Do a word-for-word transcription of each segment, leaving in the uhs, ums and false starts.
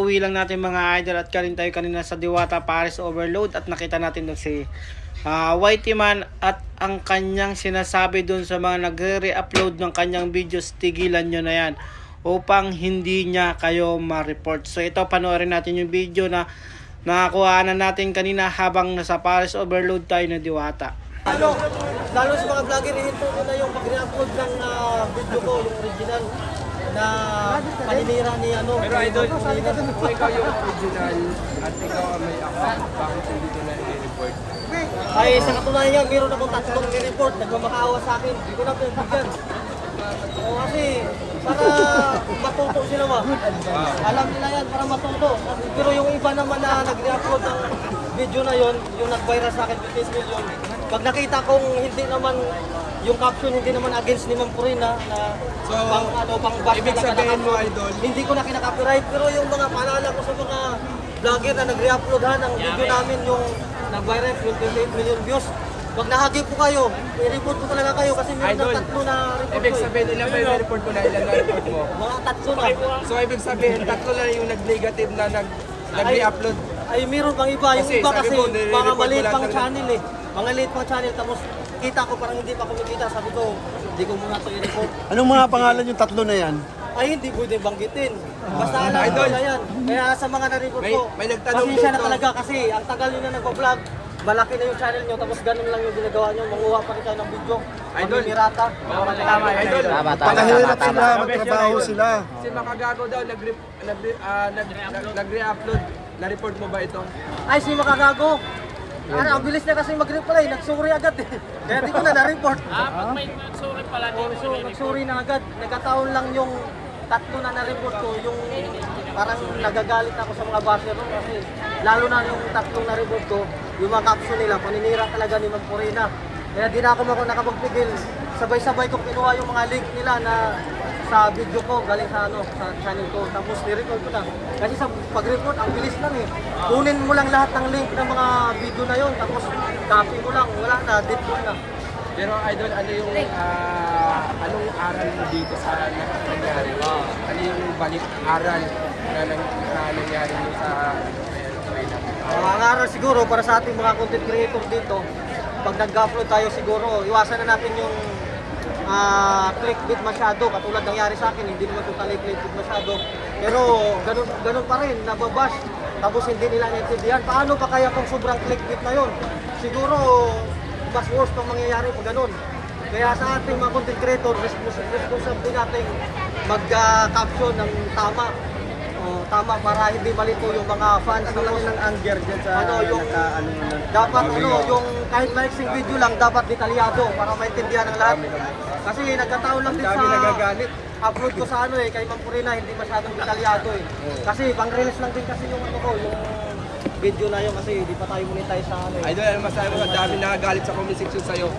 kakauwi lang natin mga idol at karin tayo kanina sa Diwata Paris Overload at nakita natin doon si uh, Whitey Man at ang kanyang sinasabi doon sa mga nagre-re-upload ng kanyang videos, tigilan nyo na yan upang hindi niya kayo ma-report. So ito, panoorin natin yung video na nakakuha na natin kanina habang nasa Paris Overload tayo na Diwata. Ano, lalo sa mga vlogger, ihinto ko na yung pag-re-upload ng uh, video ko, yung original na paninira ni ano. Pero idol, kung ikaw yung original at ikaw ang may account, bakit hindi ko na i-report? Ay, sa katunayan yan, meron akong tatlong ni-report, nagmamakaawa sa akin, hindi ko na pinagbigyan. O kasi, para matuto sila ba? Alam nila yan, para matuto. Pero yung iba naman na nag-re-upload ng video na yon, yung nag-viral sa akin, fifteen million, pag nakita kong hindi naman, yung caption hindi naman against ni Ma'am Corina na So, pang ano, pang bash ibig na sabihin mo, naka-upload, idol? hindi ko na kinaka-copyright, pero yung mga paalala ko sa mga vlogger na nag-re-upload ha ng video namin, yung nag-viral, yung twenty-eight million views, pag nahagip po kayo, i-report ko talaga kayo kasi meron Idol, ng tatlo na report ibig ko eh. sabihin, ilan ba yung report mo na ilan na report mo? Mga tatlo na. So, ibig sabihin, tatlo na yung nag-negative na nag- nag-re-upload. Ay, meron pang iba. Yung Kasi, iba sabi kasi, mo, nire-report mga mo maliit lahat pang ng- channel eh. Mga maliit pang channel, tapos kita ko parang hindi pa kumikita. Sabi ko, hindi ko muna ito i-report. Anong mga pangalan yung tatlo na yan? Ay, hindi pwede banggitin. Basta alam ko Idol. na yan. Kaya sa mga na-report May- ko, may nagtanong pasensya na dito. talaga kasi ang tagal nyo na nagpa-vlog. Malaki na yung channel nyo, tapos ganun lang yung ginagawa nyo. Manguha pa rin kayo ng video. Idol. Mamirata. Tama, idol. Pakahirap sila, magtrabaho sila. Si Makagago daw, nag-re- nag- ah, nag- nag- nag-re-upload. Na-report mo ba ito? Ay, si Makagago. Ano, ang bilis niya kasi mag-reply, nagsuri agad eh. Kaya di ko na na-report. Ah, pag may sorry pala, Oh, so, nagsuri na agad. Nagkataon lang yung tatlo na na-report ko, yung parang nagagalit ako sa mga basher no? Kasi lalo na yung tatlong na-report ko, yung mga caption nila, paninira talaga ni Ma'am Corina. Kaya di na ako maka- nakapagpigil. Sabay-sabay kong kinuha yung mga link nila na sa video ko, galing sa ano, sa channel ko. Tapos ni-record ko na. Kasi sa pag-report, ang bilis lang eh. Kunin mo lang lahat ng link ng mga video na yon, tapos copy mo lang, wala na, delete mo na. Pero idol, ano yung ah, anong aral mo dito sa na- nangyari? Ano yung balik aral na, nang- na nangyari mo sa Ang aral siguro para sa ating mga content creator dito, pag nag-upload tayo siguro, iwasan na natin yung ah, clickbait masyado. Katulad nangyari sa akin, hindi naman totally clickbait masyado. Pero ganun, ganun pa rin, nababash. Tapos hindi nila naintindihan. Paano pa kaya kung sobrang clickbait na yun? Siguro, mas worse pang mangyayari pag ganun. Kaya sa ating mga content creator, respons- responsible din natin mag-caption ng tama. Oh, tama para hindi malito yung mga fans. Ano lang ng anger dyan sa Ano yung naka, ano, yun, dapat ano yung kahit maiksing video lang dapat detalyado para maintindihan ng lahat. Kasi nagkataon lang din dami sa nagagalit. upload ko sa ano eh kay Ma'am Corina, hindi masyadong detalyado eh. Kasi pang release lang din kasi yung ano ko, yung video na yun kasi hindi pa tayo monetize sa ano eh. Idol, ano masabi mo? Ang dami nakagalit sa comment section sa'yo.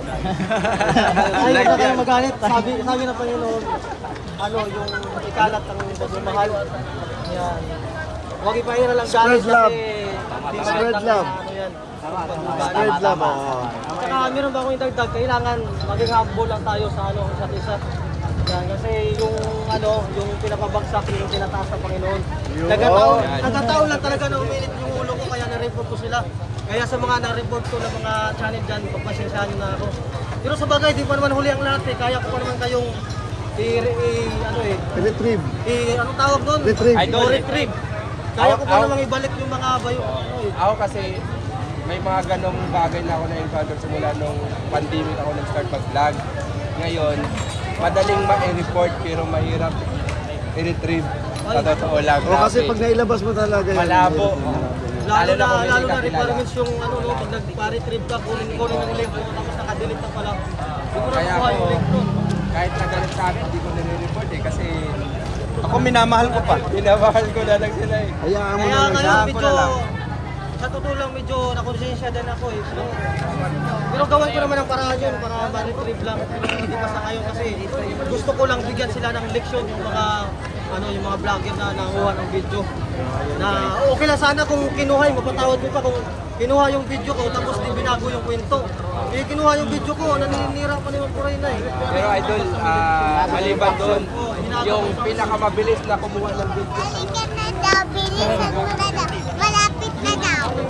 Ay, Like huwag na kayo yan. magalit. Sabi, sabi ng Panginoon, ano, yung ikalat ng pagmamahal. Yan. Huwag ipahira lang Spread galit love. kasi di Spread magandang, love. Ano yan. Spread love. oo. Saka meron ba akong idagdag, kailangan maging humble lang tayo sa ano, isa't isa. Yan, kasi yung ano, yung pinapabagsak, yung tinataas ng Panginoon. Nagkataon, nagkataon lang talaga na uminit yung ulo ko, kaya na-report ko sila. Kaya sa mga na-report ko ng mga channel dyan, pagpasensyahan nyo na ako. Pero sa bagay, di pa naman huli ang lahat eh. Kaya ko pa naman kayong i, i ano eh, Retrieve. i, anong tawag doon? Retrieve. Idol. Retrieve. Kaya ko pa Aw, aw. namang ibalik yung mga bayo, ano eh. Ako kasi, may mga ganong bagay na ako na-encounter simula nung pandemic ako nag-start mag-vlog. Ngayon, madaling ma-report pero mahirap i-retrieve. Sa totoo lang. O kasi pag nailabas mo talaga yan. Malabo. Lalo na, kung lalo hindi na ka kilala. requirements yung ano no, pag nag-retrieve ka, kunin ko rin yung link mo, tapos nakadelete na pala. Hindi ko na Kaya nakuha ako, yung link nun. kahit nagalit sa akin, hindi ko nire-report eh. Kasi Ako minamahal ko pa. pinamahal ko na lang sila eh. Hayaan mo Kaya na lang. ngayon Hayaan ko medyo, na lang. sa totoo lang medyo nakonsensya din ako eh. So, pero gawin ko naman ang paraan yun para ma-retrieve lang. Hindi pa sa ngayon kasi gusto ko lang bigyan sila ng leksyon yung mga ano yung mga vlogger na nanguha ng video. Na okay lang sana kung kinuha, mapatawad ko pa kung kinuha yung video ko tapos di binago yung kwento. Eh kinuha yung video ko, naninira pa ni Ma'am Corina eh. Pero idol, ah, maliban doon, yung pinakamabilis na kumuha ng video sa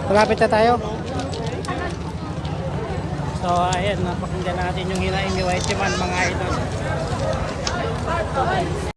Malapit na tayo. So, ayan, napakinggan natin yung hinaing ni Whitey Man, mga idol.